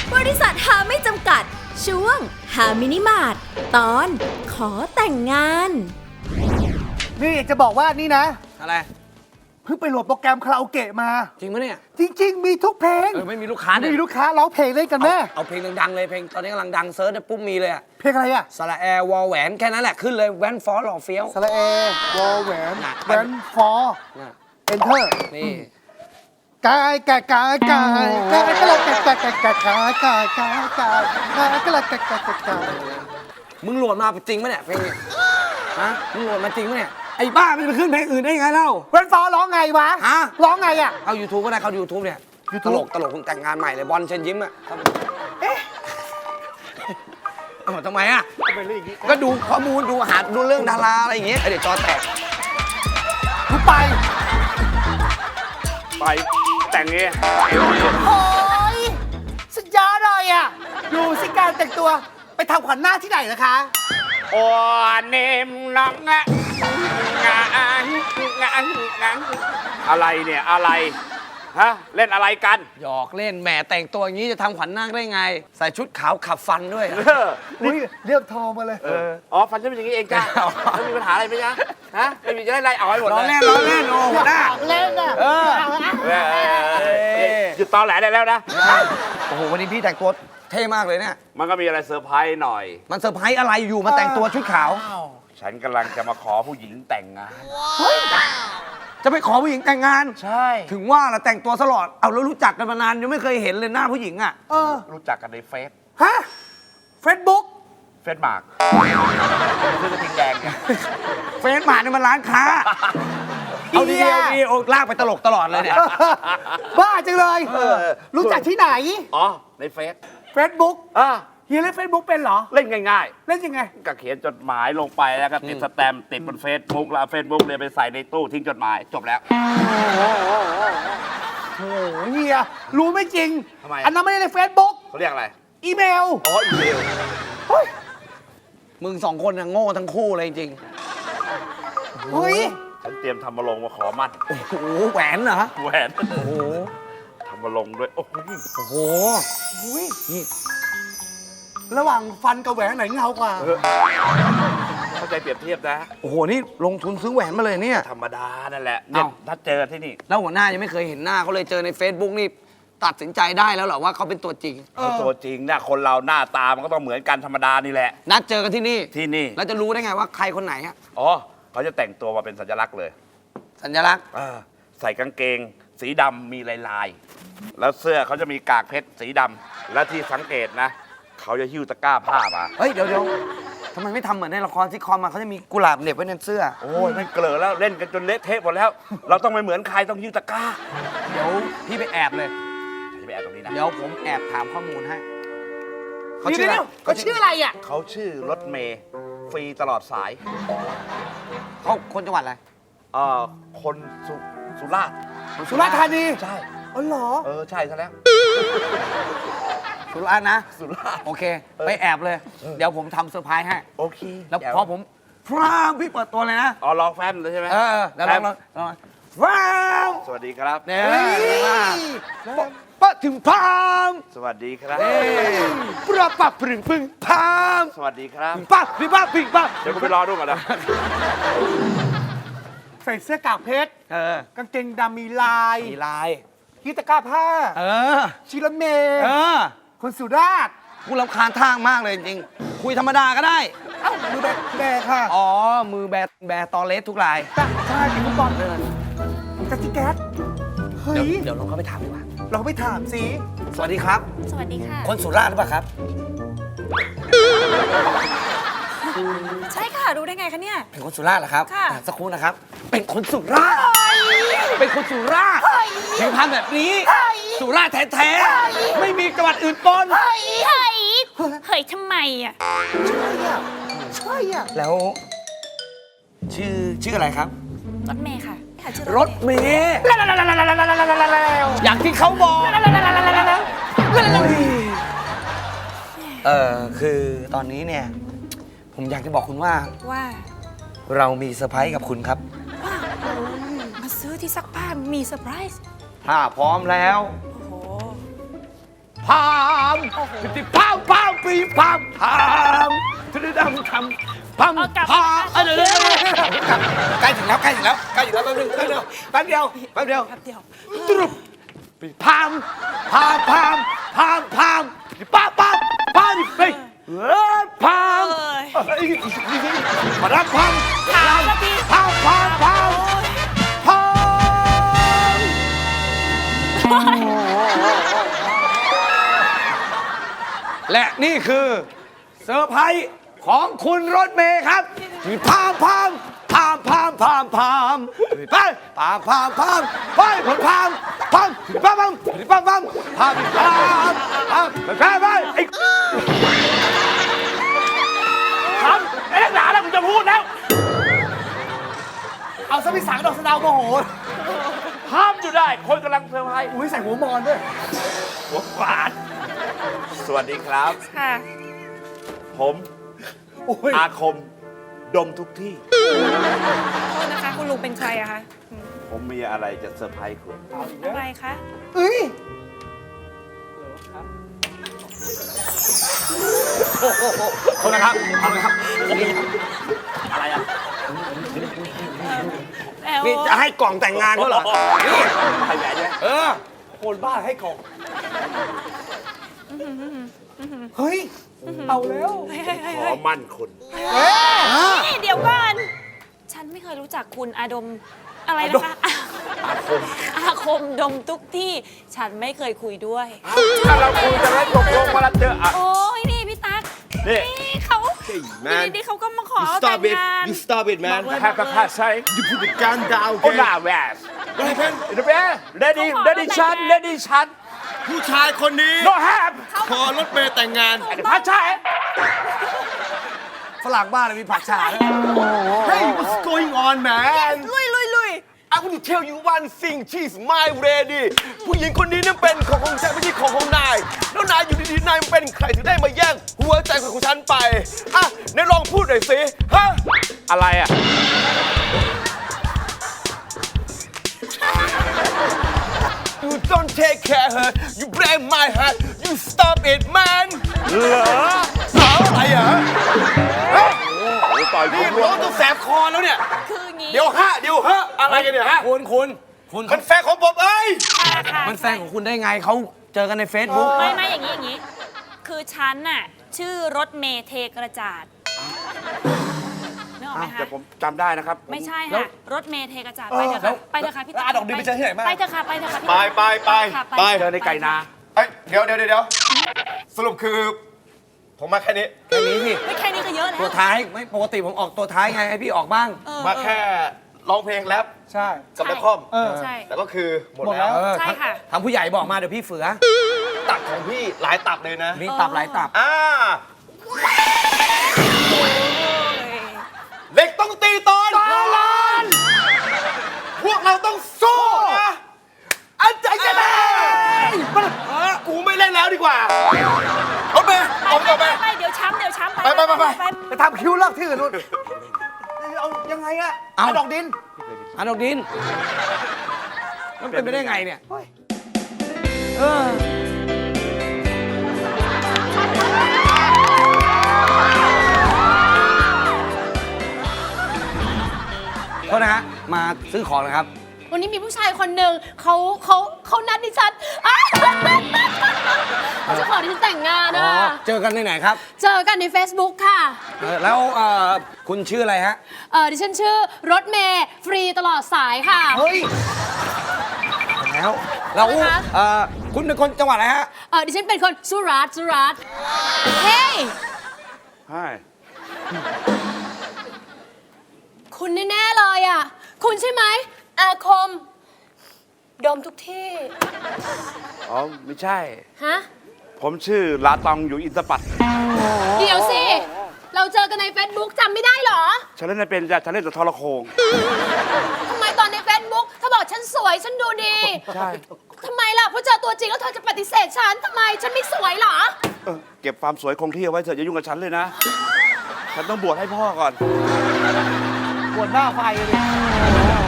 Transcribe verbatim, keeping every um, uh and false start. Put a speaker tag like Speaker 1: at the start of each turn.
Speaker 1: บริษัทหาไม่จำกัดช่วงหามินิมาร์ทตอนขอแต่งงาน
Speaker 2: นี่จะบอกว่านี่นะ
Speaker 3: อะไร
Speaker 2: เพิ่งไปโหลดโปรแกรมคาราโอเกะมา
Speaker 3: จริงปะเนี่ย
Speaker 2: จริง ๆ มีทุกเพลง
Speaker 3: เออไม่มีลูกค้าเนี่ย
Speaker 2: มีลูกค้าร้องเพลงเล่นกันแม่
Speaker 3: เอาเพลงดังๆเลยเพลงตอนนี้กำลังดังเซิร์ชเนี่ยปุ๊บมีเลยอะ
Speaker 2: เพลงอะไรอะ
Speaker 3: สระแอร์วอลแหวนแค่นั้นแหละขึ้นเลยแวนฟอร์หล่อเฟี้ยว
Speaker 2: สระเอวอลแหวน
Speaker 3: น่ะ
Speaker 2: แหวนฟอร์
Speaker 3: น่ะ
Speaker 2: เอนเตอร์
Speaker 3: นี่
Speaker 2: กายกายกายกายกายก็เลยกายกายกายกายกายกายกายกายกายก็เลยกายกายกายกาย
Speaker 3: มึงโหลดมาจริงปะเนี่ยเพลงนี้ฮะมึงโหลดมาจริงปะเนี่ยไอ้บ้ามันจะไปขึ้นเพลงอื่นได้ยังไงเล่า
Speaker 2: แหวนฟอร์ร้องไงวะ
Speaker 3: ฮะ
Speaker 2: ร้องไงอะ
Speaker 3: เอา YouTube ก็ได้เขา YouTube เนี่ย
Speaker 2: YouTube
Speaker 3: ตลกตลกเพิ่งแต่งงานใหม่เลยบอลเชิญยิ้มอะครับเอ๊ะเอาทำไมอะ
Speaker 2: เป็นเรื่องอย่างนี้
Speaker 3: ก็ดูข้อมูลดูหาดูเรื่องดาราอะไรอย่างเงี้ยเดี๋ยวจอแตก
Speaker 2: กูไป
Speaker 4: ไปแต่งเงี้ย
Speaker 2: โอ้ยสุดยอดเลยอะดูสิการแต่งตัวไปทำขวัญหน้าที่ไหนนะคะ
Speaker 4: โอ้เนมน้องงะงะงะงะงะอะไรเนี่ยอะไรฮะเล่นอะไรกัน
Speaker 3: หยอกเล่นแหมแต่งตัวอย่างนี้จะทำขวัญนาคได้ไง ใส่ชุดขาวขับฟันด้วยอะ
Speaker 4: เออ
Speaker 2: อุ้ยเรียบทองมาเลย
Speaker 4: เอออ๋อฟันฉันเป็นอย่างนี้เองจ้าไม่มีปัญหาอะไรไหมจ๊ะฮะไม่มีจะได้ไล่เอาให้หมด
Speaker 3: ล้อ
Speaker 4: เลย
Speaker 3: เล่นล้อเล่นโอ้หัวหน้า
Speaker 2: เล่นอะ
Speaker 3: เออ
Speaker 4: เออเออเออหยุดตอแหลได้แล้วนะ
Speaker 3: โอ้โหวันนี้พี่แต่งตัวเท่มากเลยเนี่ย
Speaker 4: มันก็มีอะไรเซอร์ไพรส์หน่อย
Speaker 3: มันเซอร์ไพรส์อะไรอยู่มาแต่งตัวชุดขาว
Speaker 4: ฉันกำลังจะมาขอผู้หญิงแต่งงาน
Speaker 3: จะไปขอผู้หญิงแต่งงาน
Speaker 4: ใช่
Speaker 3: ถึงว่าละแต่งตัวสลอดเอาแล้วรู้จักกันมานานยังไม่เคยเห็นเลยหน้าผู้หญิงอ่ะ
Speaker 2: เออ
Speaker 4: รู้จักกันในเฟซ
Speaker 2: ฮะเฟซบุ๊ก
Speaker 4: เฟซมาร์กซื้อกระทิงแดงไง
Speaker 3: เฟซมาเนี่ยมันร้านค้าเอาดี
Speaker 2: เหี้ย
Speaker 3: เอาดีโอ้ลากไปตลกตลอดเลยเนี่ย
Speaker 2: บ้าจังเลย รู้จักที่ไหน
Speaker 4: อ๋อในเฟซ
Speaker 2: เฟซบุ๊ก
Speaker 4: อ่า
Speaker 2: เฮียเล่นเฟซบุ๊กเป็นเหรอ
Speaker 4: เล่นง่าย
Speaker 2: เล่นยังไง
Speaker 4: ๆก็เขียนจดหมายลงไปแล้วก็ติดสแตมป์ติดบนเฟซบุ๊กแล้วเฟซบุ๊กเนี่ยไปใส่ในตู้ทิ้งจดหมายจบแล้ว
Speaker 2: โอ้โหเฮียรู้ไม่จริง
Speaker 4: ทำไม
Speaker 2: อันนั้นไม่ได้ในเฟซบุ๊ก
Speaker 4: เขาเรียกอะไร
Speaker 2: อีเมล
Speaker 4: อ๋ออีเมล
Speaker 2: เฮ้ย
Speaker 3: มึงสองคนน่ะโง่ทั้งคู่เลยจริง
Speaker 2: เฮ้ย
Speaker 4: ฉันเตรียมทำมาลงมาขอมั่น
Speaker 3: ๆโอ้โหแหวนเหรอ
Speaker 4: แหวน
Speaker 3: โอ้โห
Speaker 4: ทำมาลงด้วยโอ้โห
Speaker 3: โอ้โห
Speaker 2: อุ้ย
Speaker 3: นี่
Speaker 2: ระหว่างฟันกับแหวนไหนเงากว่า
Speaker 4: เข้าใจเปรียบเทียบนะ
Speaker 3: โอ้โหนี่ลงทุนซื้อแหวนมาเลยเนี่ย
Speaker 4: ธรรมดานั่นแหละเนี่ย
Speaker 3: เอ้า
Speaker 4: ถ้าเจอที่นี่
Speaker 3: แล้วหัวหน้ายังไม่เคยเห็นหน้าเขาเลยเจอใน Facebook นี่ตัดสินใจได้แล้วเหรอว่าเขาเป็นตัวจริง
Speaker 2: เออ
Speaker 4: เขาตัวจริงนะคนเราหน้าตามันก็ต้องเหมือนกันธรรมดานี่แหละ
Speaker 3: นัดเจอกันที่นี่
Speaker 4: ที่นี่
Speaker 3: แล้วจะรู้ได้ไงว่าใครคนไหนอะ
Speaker 4: อ๋อเขาจะแต่งตัวมาเป็นสัญลักษณ์เลย
Speaker 3: สัญลักษณ์
Speaker 4: อ่าใส่กางเกง สีดำมีลายลายๆแล้วเสื้อเขาจะมีกากเพชรสีดำและที่สังเกตนะ เขาจะหิ้วตะกร้าผ้ามา
Speaker 3: เฮ้ยเดี๋ยวเดี๋ยวทำไมไม่ทำเหมือนในละครซิทคอมมาเขาจะมีกุหลาบเหน็บไว้ในเสื้อ
Speaker 4: โอ้ยมันเกลือแล้วเล่นกันจนเละเทะหมดแล้ว เราต้องไม่เหมือนใครต้องหิ้วตะกร้า
Speaker 3: เดี๋ยวพี่ไปแอบเลย
Speaker 4: ฉันจะไปแอบตรงนี้นะ
Speaker 3: เดี๋ยวผมแอบถามข้อมูลให้เขา
Speaker 2: เดี๋
Speaker 3: ชื่อ
Speaker 2: ยว
Speaker 3: อะไร
Speaker 2: ๆเขาชื่ออะไรอ่ะ
Speaker 4: เขาชื่อรถเมย์ฟรีตลอดสาย
Speaker 3: เขาคนจังหวัดอะไร
Speaker 4: เอ่อคนสุสุราษฎร์
Speaker 2: สุราษฎร์ธานี
Speaker 4: ใช่
Speaker 2: อ๋อเหรอ
Speaker 4: เออใช่ซะแล้ว
Speaker 3: สุราษฎร์นะ
Speaker 4: สุราษฎร์
Speaker 3: โอเค ไปแอบเลย เดี๋ยวผมทำเซอร์ไพรส์ให้
Speaker 4: โอเค
Speaker 3: แล้วพอผมพรามพี่เปิดตัวเลยนะ
Speaker 4: อ๋อลองแฟมเลยใช่ไหม
Speaker 3: เออเดี๋ยวลองลองลองพราม
Speaker 4: สวัสดีครับ
Speaker 3: เนี่ย
Speaker 2: เฮ้ย
Speaker 3: ปะถึงพราม
Speaker 4: สวัสดีครับ
Speaker 3: เอ้ปะปะปรึงปึงพราม
Speaker 4: สวัสดีครับ
Speaker 3: ปะปิปะปิปะ
Speaker 4: เดี๋ยวผมไปรอดูก่อนนะ
Speaker 2: ใส่เสื้อกากเพชร
Speaker 3: เออก
Speaker 2: างเกงดำมีลาย
Speaker 3: มีลาย
Speaker 2: ฮิตะกร้าผ้า
Speaker 3: เออ
Speaker 2: ชิรถเมย์
Speaker 3: เออ
Speaker 2: คนสุราษฎร์
Speaker 3: กูรำคาญทางมากเลยจริงๆคุยธรรมดาก็ได้
Speaker 2: เอ้าดูแบแบค่ะ
Speaker 3: อ๋อ มือแบร์แบร์ตอเลสทุกราย
Speaker 2: จ้ะใช่เป็นฟุตบอลเลยจักรแก๊สเฮ้
Speaker 3: เดี๋ยวย เดี๋ยวลองเข้าไปถามดีกว่า
Speaker 2: เราไปถามสิ
Speaker 3: สวัสดีครับ
Speaker 1: สวัสดีค่ะ
Speaker 3: คนสุราษฎร์หรือเปล่าครับ
Speaker 1: ใช่ค่ะรู้ได้ไงคะเนี่ย
Speaker 3: เป็นคนสุราษฎร์เหรอครับ
Speaker 1: ค่ะ
Speaker 3: อ่สักครู่นะครับ เป็นคนสุราษฎร์เป็นคนสุราษฎร์เห็นทำแบบนี้ สุราษฎร์แท้ๆ ไม่มีจังหวัดอื่นปน
Speaker 1: เฮ้ยเฮ้ยเฮ้ยทำไมอ่ะ
Speaker 2: ใช่อ่ะใช่อ่ะ
Speaker 3: แล้ว ชื่อชื่ออะไรครับ
Speaker 1: รถเมย์ค่ะค่ะชื่อ
Speaker 3: รถเมย์
Speaker 2: แล้วแล้วแล้วแล้วแล้วแล้วแล้วแล้ว
Speaker 3: อย่างที่เขาบอก เออคือตอนนี้เนี่ย ผมอยากจะบอกคุณว่า
Speaker 1: ว่า
Speaker 3: เรามีเซอร์ไพรส์กับคุณครับ
Speaker 1: มาซื้อที่ซักผ้ามีเซอร์ไพรส์
Speaker 3: ถ้าพร้อมแล้ว
Speaker 1: โอ้โห
Speaker 3: พร้อม
Speaker 1: โอ้
Speaker 3: ติพามพามปีพามพามทะเลดำทำพามพามเออเดี๋ยวใกล้ถึงแล้วใกล้ถึงแล้วใกล้ถึงแล้วแป๊บนึงแป๊บเดียวแป๊บเดียวแป๊บเดียวแป๊บเดียวตรุบปีพามพามพามพามพามป้าป้าป้าไปเออพามมารับพามพามพามพามพามพามและนี่คือเซอร์ไพรส์ของคุณรถเมย์ครับพามพามพามพามพามพามไปพามพามพามไปผลพามพามพามพามพามพามพามพามพามไปไปไอ้
Speaker 4: ทำเอ๊ะหนาแล้วผมจะพูดแล้ว
Speaker 2: เอาซะพี่สังดอกสะเดาวโมโห
Speaker 4: ห้ามอยู่ได้ คนกำลังเซอร์ไพรส์
Speaker 2: อุ้ยใส่หัวมอนด้วย
Speaker 4: หัวขวานสวัสดีครับ
Speaker 5: ค่ะ
Speaker 4: ผม
Speaker 2: โอ้ย
Speaker 4: อาคม ดมทุกที่
Speaker 5: โทษนะคะ คุณลุงเป็นใครอะคะ
Speaker 4: ผมมีอะไรจะเซอร์ไพรส์คุณ
Speaker 5: อะไรคะ
Speaker 2: เอ้ย
Speaker 3: โทษนะครับทำไมครับ
Speaker 4: อะไรอ่ะ
Speaker 5: แล้ว
Speaker 3: นี่จะให้กล่องแต่งงานเขาเหรอ นี่
Speaker 4: ใครแหวนเนี่ย
Speaker 3: เออ
Speaker 2: คนบ้าให้กล่อง เฮ้ย เอาแล้ว
Speaker 5: เฮ้ยเฮ้ยเฮ้ย
Speaker 4: ขอ
Speaker 5: เฮ้ย
Speaker 4: มั่นคุณ
Speaker 5: นี่เดี๋ยวก่อน ฉันไม่เคยรู้จักคุณอาดมอะไรนะคะ
Speaker 4: อาคม
Speaker 5: อาคมดมทุกที่ ฉันไม่เคยคุยด้วย
Speaker 4: ถ้าเราคุยจะได้ตกลงว่าเราเจออ่ะ
Speaker 5: โอ้ยนี่พี่ตั๊ก
Speaker 4: นี่
Speaker 5: นี่เขาอยู่ดีๆเขาก็มาขอแต่งงาน
Speaker 6: You stop it, man.
Speaker 5: บอกเลย
Speaker 4: แฮปปี้พาใช่
Speaker 6: You put the gun down,
Speaker 4: โอ้
Speaker 6: okay?
Speaker 4: หน้าแหวนเดี๋ยวเดี๋ยวเลดี้เลดี้ชันเลดี้ชัน
Speaker 6: ผู้ชายคนนี้
Speaker 4: โนแฮป
Speaker 6: ขอรถเมย์แต่งงาน
Speaker 4: พาใช่
Speaker 3: ฝรั่งบ้านเลยมีผักชาด้วย
Speaker 6: Hey, what's going on, man?
Speaker 5: ลุยลุยลุย
Speaker 6: I want to tell you one thing. She's my lady. ผู้หญิงคนนี้นั่นเป็นของของฉันไม่ใช่ของของนาย แล้วนายอยู่ดีๆนายเป็นใครถึงได้มาแย่งหัวใจของฉันไป อ่ะนายลองพูดหน่อยสิ ฮะ
Speaker 4: อะไรอ่ะ
Speaker 6: You don't take care her. You blame my heart. You stop it, man.
Speaker 4: เหรอ
Speaker 6: เหรออะไรอ่ะ
Speaker 4: โอ้ต่อยผ
Speaker 6: นี่
Speaker 4: มร่ว
Speaker 6: ร้อง งจนแสบคอแล้วเนี่ย
Speaker 5: คืองี้
Speaker 6: เดี๋ยวฮะ เดี๋ยวฮะ อะไรกันเนี่ยฮะ
Speaker 3: คุณคุณคุณ
Speaker 6: มันแฟนของผมเอ้ย
Speaker 5: ค่ะค่ะ
Speaker 3: มันแฟนของคุณได้ไงเขาเจอกันใน Facebook
Speaker 5: ไม่ไม่อย่างนี้อย่างนี้ คือฉันน่ะชื่อรถเมย์เทกระจาดนึกออกไหมคะ
Speaker 4: แต่ผมจำได้นะครับ
Speaker 5: ไม่ใช่ค่ะ รถเมย์เทกระจาดไปเถอะค่ะไปเถอะค่ะพี่
Speaker 2: แล้วอาดอกดินไปเจอที่ไหนมา
Speaker 5: ไปเถอะค่ะไปเถอะค่ะพี่
Speaker 6: ไปไปไป
Speaker 5: ค่ะ
Speaker 6: ไป
Speaker 4: เจอในไก่นา
Speaker 6: เอ้ยเดี๋ยวเดี๋ยวเดี๋ยวสรุปคือ ผมมาแค่นี้
Speaker 3: แค่นี้สิ
Speaker 5: ไม่แค่นี้ก็เยอะแล้ว
Speaker 3: ตัวท้ายไม่ปกติผมออกตัวท้ายไงให้พี่ออกบ้าง
Speaker 5: เออ
Speaker 6: มาแค่ร้องเพลงแรป
Speaker 2: ใช่
Speaker 6: กับนักคอม
Speaker 2: เออ
Speaker 5: ใช่
Speaker 6: แต่ก็คือหมด
Speaker 2: หมดแล้
Speaker 6: แล้ว ว
Speaker 3: เออ
Speaker 5: ใช่ค่ะ
Speaker 3: ทางผู้ใหญ่บอกมาเดี๋ยวพี่เฝือ
Speaker 6: ตับของพี่หลายตับเลยนะ
Speaker 3: มีตับหลายตับ
Speaker 6: อ่าเด็กต้องตีตอนลานพวกเราต้องสู้นะอันใจจะได้กูไม่เล่นแล้วดีกว่าเอาไป
Speaker 5: ไป
Speaker 6: เอาไป
Speaker 5: ไป
Speaker 6: เอาไป
Speaker 5: ไปเดี๋ยวช้ำเดี๋ยวช้ำ
Speaker 6: ไปไปไปไป
Speaker 2: ไปทำคิ้วเลิกที่อื่นนู่นเอายังไงอะ
Speaker 3: เอา
Speaker 2: เอาดอกดิน
Speaker 3: อันดอกดิน มันเป็นไปได้ไงเนี่ยเออโทษนะฮะ มาซื้อของนะครับ
Speaker 7: วันนี้มีผู้ชายคนหนึ่งเขาเขาเขานัดดิฉันอ้าวเขาจะขอดิฉันแต่งงาน
Speaker 3: อ๋อ
Speaker 7: อ่ะ
Speaker 3: เจอกันที่ไหนครับ
Speaker 7: เจอกันใน Facebook ค่ะ
Speaker 3: เออแล้วเอ่อคุณชื่ออะไรฮะ
Speaker 7: เออดิฉันชื่อรถเมย์ฟรีตลอดสายค่ะ
Speaker 3: เฮ้ย แล้วแล้ว
Speaker 7: อะไรคะ
Speaker 3: เอ่อคุณเป็นคนจังหวัดอะไรฮะ
Speaker 7: เออดิฉันเป็นคนสุราษฎร์สุราษฎร์เฮ้ย
Speaker 4: ใช่
Speaker 7: คุณแน่ๆเลยอ่ะ คุณใช่ไหมอาคม ดมทุกที่
Speaker 4: อ๋อ ไม่ใช่
Speaker 7: ฮะ
Speaker 4: ผมชื่อลาตองอยู่อินทปัต
Speaker 7: เดี๋ยวสิ เราเจอกันใน Facebook จำไม่ได้เหรอ
Speaker 4: ฉันเล่นไม่เป็นจ้ะฉันเล่นแต่ทรโขง
Speaker 7: ทำไมตอนใน Facebook เธอบอกฉันสวยฉันดูดี
Speaker 4: ใช่
Speaker 7: ทำไมล่ะเพราะเจอตัวจริงแล้วเธอจะปฏิเสธฉันทำไมฉันไม่สวยเหรอ
Speaker 4: เออเก็บความสวยคงที่เอาไว้เถอะอย่ายุ่งกับฉันเลยนะ ฉันต้องบวชให้พ่อก่อน
Speaker 2: ปวดหน้าไฟเลย